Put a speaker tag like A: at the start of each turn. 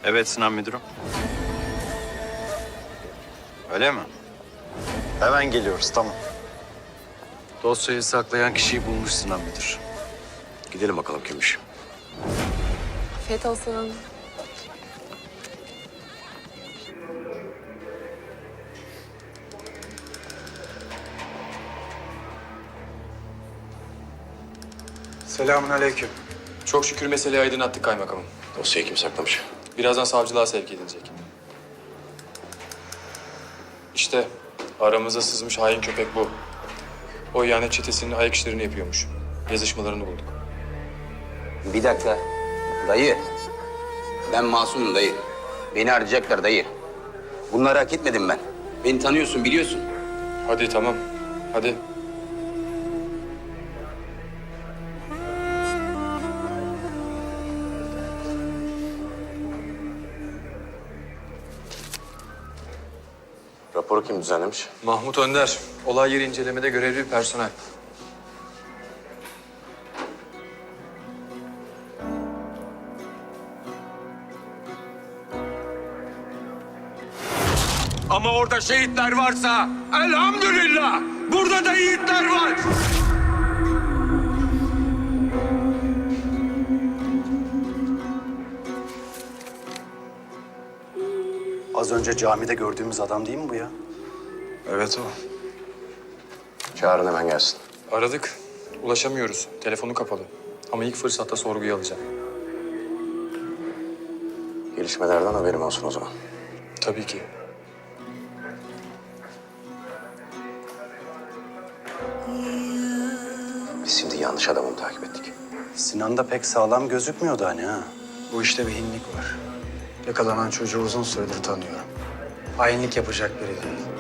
A: Evet Sinan müdürüm. Öyle mi? Hemen geliyoruz, tamam. Dosyayı saklayan kişiyi bulmuş Sinan müdür.
B: Gidelim bakalım kimmiş.
C: Afiyet olsun.
D: Selamünaleyküm.
E: Çok şükür meseleyi aydınlattık kaymakamım.
B: Dosyayı kim saklamış?
E: Birazdan savcılığa sevk edilecek. İşte aramıza sızmış hain köpek bu. O ihanet çetesinin ayak işlerini yapıyormuş. Yazışmalarını bulduk.
F: Bir dakika. Dayı. Ben masumum dayı. Beni arayacaklar dayı. Bunları hak etmedim ben. Beni tanıyorsun, biliyorsun.
E: Hadi tamam. Hadi.
B: Raporu kim düzenlemiş?
E: Mahmut Önder. Olay yeri incelemede görevli bir personel.
G: Ama orada şehitler varsa elhamdülillah burada da yiğitler var.
A: Az önce camide gördüğümüz adam değil mi bu ya?
D: Evet o.
B: Çağırın hemen gelsin.
E: Aradık. Ulaşamıyoruz. Telefonu kapalı. Ama ilk fırsatta sorguya alacağım.
B: Gelişmelerden haberim olsun o zaman.
E: Tabii ki.
B: Biz şimdi yanlış adamı mı takip ettik?
A: Sinan da pek sağlam gözükmüyordu hani ha.
D: Bu işte bir hinlik var. Yakalanan çocuğu uzun süredir tanıyorum. Hainlik yapacak biri değil.